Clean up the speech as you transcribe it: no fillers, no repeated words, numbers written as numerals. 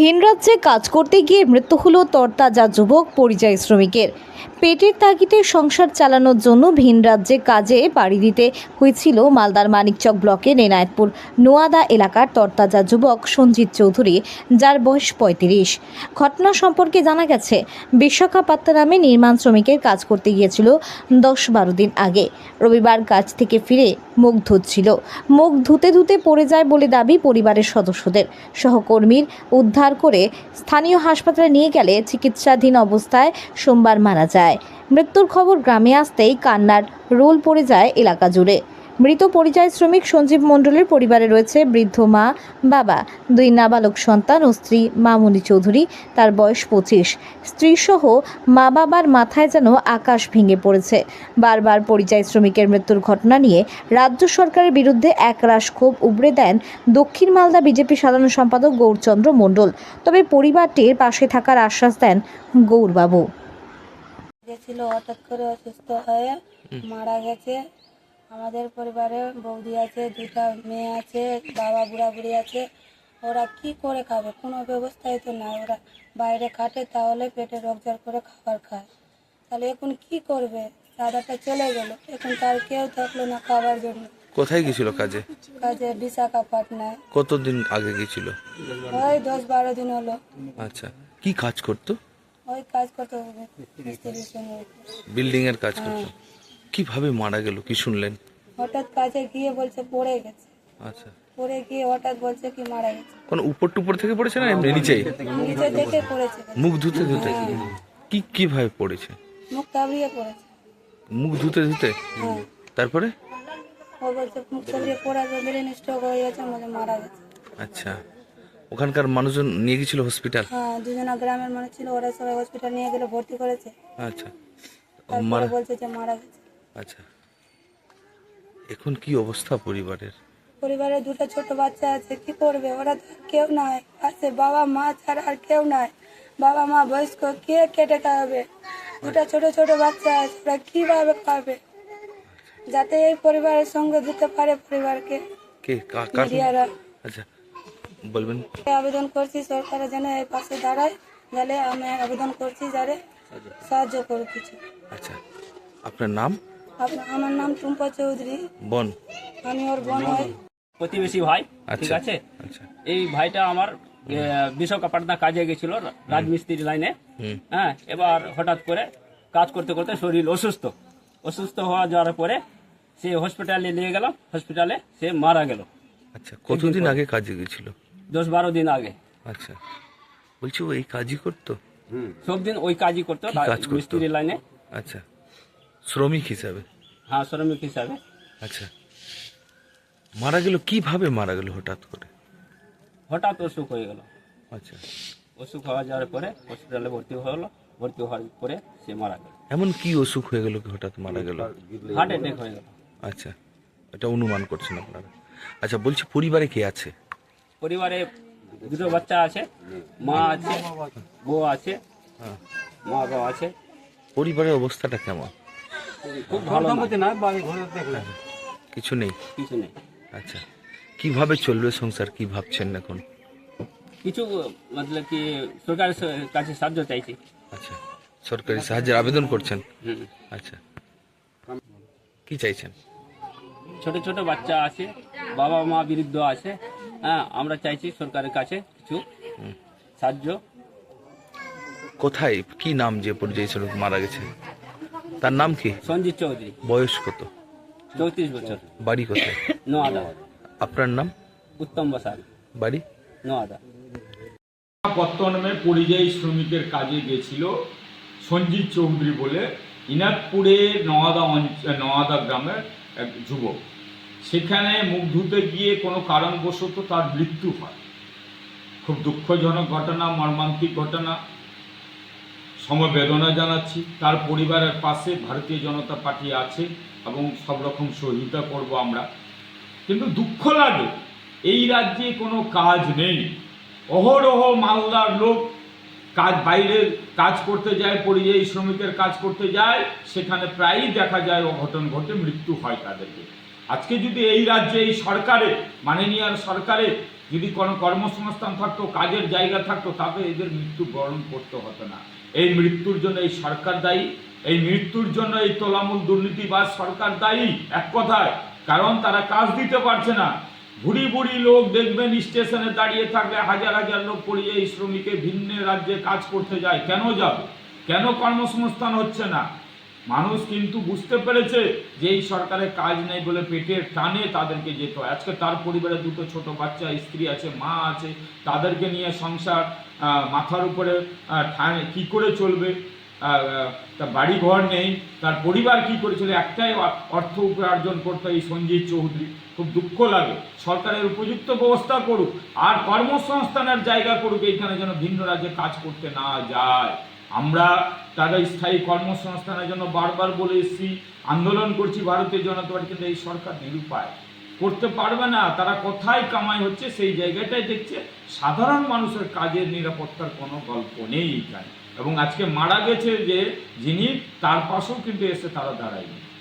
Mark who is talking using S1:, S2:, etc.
S1: ভিন রাজ্যে কাজ করতে গিয়ে মৃত্যু হলো তরতাজা যুবক পরিযায়ী শ্রমিকের। পেটের তাগিদে সংসার চালানোর জন্য ভিন রাজ্যে কাজে পাড়ি দিতে হয়েছিল মালদার মানিকচক ব্লকের এনায়েতপুর নোয়াদা এলাকার তরতাজা যুবক সঞ্জিত চৌধুরী, যার বয়স ৩৫। ঘটনা সম্পর্কে জানা গেছে, বিশ্বকাপাত্তা নামে নির্মাণ শ্রমিকের কাজ করতে গিয়েছিল ১০-১২ দিন আগে। রবিবার কাজ থেকে ফিরে মুখ ধুচ্ছিল। মুখ ধুতে ধুতে পড়ে যায় বলে দাবি পরিবারের সদস্যদের। সহকর্মীর উদ্ধার করে স্থানীয় হাসপাতালে নিয়ে গেলে চিকিৎসাধীন অবস্থায় সোমবার মারা যায়। মৃত্যুর খবর গ্রামে আসতেই কান্নার রোল পড়ে যায় এলাকা জুড়ে। মৃত পরিযায়ী শ্রমিক সঞ্জীব মণ্ডলের পরিবারে রয়েছে বৃদ্ধ মা, বাবা, 2 নাবালক সন্তান ও স্ত্রী মামুনি চৌধুরী, তার বয়স 25। স্ত্রীসহ মা বাবার মাথায় যেন আকাশ ভেঙে পড়েছে। বারবার পরিযায়ী শ্রমিকের মৃত্যুর ঘটনা নিয়ে রাজ্য সরকারের বিরুদ্ধে একরাশ ক্ষোভ উগরে দেন দক্ষিণ মালদা বিজেপি সাধারণ সম্পাদক গৌরচন্দ্র মণ্ডল। তবে পরিবারটির পাশে থাকার আশ্বাস দেন গৌরবাবু।
S2: গেছিল, হঠাৎ করে অসুস্থ হয়ে মারা গেছে। আমাদের পরিবারে বৌদি আছে, 2টা মেয়ে আছে, বাবা বুড়া বুড়ি আছে। ওরা কি করে খাবে? কোনো ব্যবস্থাই তো নাই। ওরা বাইরে খাটে, তাহলে পেটে রোজগার করে খাবার খায়। তাহলে এখন কি করবে? দাদাটা চলে গেল, এখন তার কেউ থাকলো না খাবার জন্য।
S3: কোথায় গেছিল কাজে?
S2: কাজে বিশাখাপাটনায়।
S3: কতদিন আগে গেছিল?
S2: ওই 10-12 দিন হলো।
S3: আচ্ছা, কি কাজ করতো?
S2: ওই কাজ করতে হবে, মিস্ত্রির সঙ্গে।
S3: বিল্ডিং এর কাজ করতো। কিভাবে মারা গেল কি শুনলেন?
S2: হঠাৎ কাজে গিয়ে বলছে পড়ে গেছে।
S3: আচ্ছা,
S2: পড়ে গিয়ে হঠাৎ বলছে কি মারা গেছে।
S3: কোন উপর টুপর থেকে পড়েছে না এমনি নিচেই?
S2: নিচে দেখে পড়েছে,
S3: মুখ ধুতে ধুতে? কিভাবে পড়েছে?
S2: মুখ কাবড়িয়ে পড়েছে।
S3: মুখ ধুতে ধুতে?
S2: হ্যাঁ,
S3: তারপরে?
S2: ও বলছে মুখ কাবড়িয়ে পড়ার পর ব্রেন স্ট্রোক হয়ে গেছে, মানে মারা গেছে।
S3: আচ্ছা, ওখানকার মানুষজন নিয়ে গেছিল হসপিটাল?
S2: হ্যাঁ, 2 জনা গ্রামের মানুষ ছিল, ওরা সবাই হসপিটাল নিয়ে গেলে ভর্তি করেছে।
S3: আচ্ছা,
S2: তারপরে বলছে যে মারা গেছে।
S3: আচ্ছা, এখন কি অবস্থা পরিবারের?
S2: পরিবারে 2টা ছোট বাচ্চা আছে, কি করবে? ওরা তো আর কেউ নাই আছে, বাবা মা ছাড়া আর কেউ নাই। বাবা মা বয়স্ক, কে কেটে খাওয়াবে? 2টা ছোট ছোট বাচ্চা আছে, ওরা কিভাবে খাবে? যাতে এই পরিবারের সঙ্গে দিতে পারে পরিবারকে
S3: কে কার?
S2: মিডিয়ারা।
S3: আচ্ছা, বলবেন।
S2: আবেদন করছি সরকারের যেন এই পাশে দাঁড়ায়, যাতে আমি আবেদন করছি যারে সাহায্য করে কিছু।
S3: আচ্ছা, আপনার নাম?
S2: আমার নাম টুম্পা চৌধুরী,
S3: বোন?
S2: আমি ওর বোন হই।
S4: প্রতিবেশী ভাই, ঠিক
S3: আচ্ছা,
S4: আছে।
S3: আচ্ছা,
S4: এই ভাইটা আমার বিশ্বকাপাটনা কাজে গেছিল রাজমিস্ত্রি লাইনে। হ্যাঁ, এবার হঠাৎ করে কাজ করতে করতে শরীর অসুস্থ হওয়া যাওয়ার পরে সে হসপিটালে নিয়ে গেলাম, হসপিটালে সে মারা গেল।
S3: আচ্ছা, কতদিন আগে কাজে গেছিল?
S4: 10-12 দিন আগে।
S3: আচ্ছা, বলছি ও এই কাজই করতো?
S4: সব দিন ওই কাজই করতো,
S3: কি কাজ করতো?
S4: মিস্ত্রি লাইনে।
S3: আচ্ছা, শ্রমিক হিসাবে?
S4: হ্যাঁ, শ্রমিক হিসাবে।
S3: আচ্ছা, মারা গেল কিভাবে? মারা গেল হঠাৎ করে?
S4: হঠাৎ অসুখ হয়ে গেল।
S3: আচ্ছা,
S4: অসুখ হওয়া যাওয়ার পরে হসপিটালে ভর্তি হলো, ভর্তি হওয়ার পরে সে মারা গেল।
S3: এমন কি অসুখ হয়ে গেল কি হঠাৎ মারা গেল?
S4: হার্ট অ্যাটাক হয়ে গেল।
S3: আচ্ছা, এটা অনুমান করছেন আপনারা? আচ্ছা, বলছি পরিবারে কে আছে?
S4: পরিবারে 2টো বাচ্চা আছে, মা আছে, বউ আছে, মা বাবা আছে।
S3: পরিবারের অবস্থাটা কেমন?
S4: খুব ভালো না,
S3: কিছু নেই?
S4: কিছু নেই।
S3: আচ্ছা, কিভাবে চলবে সংসার কি ভাবছেন এখন?
S4: কিছু মতলব কি সরকারের কাছে সাহায্য চাইছি।
S3: আচ্ছা, সরকারি সাহায্যের আবেদন করছেন?
S4: হুম।
S3: আচ্ছা, কি চাইছেন?
S4: ছোট ছোট বাচ্চা আছে, বাবা মা বৃদ্ধ আছে। হ্যাঁ, আমরা চাইছি সরকারের কাছে কিছু সাহায্য।
S3: কোথায়, কি নাম যে পরিযায়ী শ্রমিক মারা গেছে তার নাম কি?
S4: সঞ্জিত চৌধুরী,
S3: বয়স কত?
S4: 34 বছর,
S3: বাড়ি কোথায়?
S4: নোয়াদা।
S3: আপনার নাম?
S4: উত্তম বসাক,
S3: বাড়ি?
S4: নোয়াদা।
S5: পত্তনমে পরিযায়ী শ্রমিকের কাজে গেছিল সঞ্জিত চৌধুরী বলে ইনাদপুরে নওয়াদা গ্রামের এক যুবক। সেখানে মুখ ধুতে গিয়ে কোনো কারণবশত তার মৃত্যু হয়। খুব দুঃখজনক ঘটনা, মর্মান্তিক ঘটনা। সমবেদনা জানাচ্ছি। তার পরিবারের পাশে ভারতীয় জনতা পার্টি আছে এবং সব রকম সহযোগিতা করব আমরা। কিন্তু দুঃখ লাগে এই রাজ্যে কোনো কাজ নেই। অহরহ মালদার লোক বাইরে কাজ করতে যায়, পরিযায়ী শ্রমিকের কাজ করতে যায়, সেখানে প্রায়ই দেখা যায় অঘটন ঘটে, মৃত্যু হয় তাদেরকে। আজকে যদি এই রাজ্যে এই সরকারে, মাননীয় সরকারে যদি কোনো কর্মসংস্থান থাকতো, কাজের জায়গা থাকতো, তাহলে এদের মৃত্যু বরণ করতে হতো না। এই মৃত্যুর জন্য এই সরকার দায়ী, এই মৃত্যুর জন্য এই তোলামূল দুর্নীতিবাজ সরকার দায়ী এক কথায়। কারণ তারা কাজ দিতে পারছে না। বুড়ি বুড়ি লোক দেখবেন স্টেশনে দাঁড়িয়ে থাকলে হাজার হাজার লোক পরিযায়ী শ্রমিকে ভিন্ন রাজ্যে কাজ করতে যায়। কেন যাবে? কেন কর্মসংস্থান হচ্ছে না? মানুষ কিন্তু বুঝতে পেরেছে যে এই সরকারের কাজ নেই বলে পেটের টানে তাদেরকে যেতে হয়। আজকে তার পরিবারে দুটো ছোট বাচ্চা, স্ত্রী আছে, মা আছে, তাদেরকে নিয়ে সংসার মাথার উপরে কি করে চলবে? তার বাড়ি ঘর নেই, তার পরিবার কি করেছিল? একটাই অর্থ উপার্জন করতো এই সঞ্জীব চৌধুরী। খুব দুঃখ লাগে। সরকারের উপযুক্ত ব্যবস্থা করুক আর কর্মসংস্থানের জায়গা করুক, এইখানে যেন ভিন্ন রাজ্যে কাজ করতে না যায়। আমরা তারা স্থায়ী কর্মসংস্থানের জন্য বারবার বলে এসেছি, আন্দোলন করছি ভারতীয় জনতা পার্টি, কিন্তু এই সরকার নিরুপায়, করতে পারবে না। তারা কোথায় কামাই হচ্ছে সেই জায়গাটাই দেখছে। সাধারণ মানুষের কাজের নিরাপত্তার কোনো গল্প নেই এখানে। এবং আজকে মারা গেছে যে যিনি, তার পাশেও কিন্তু এসে তারা দাঁড়ায়নি।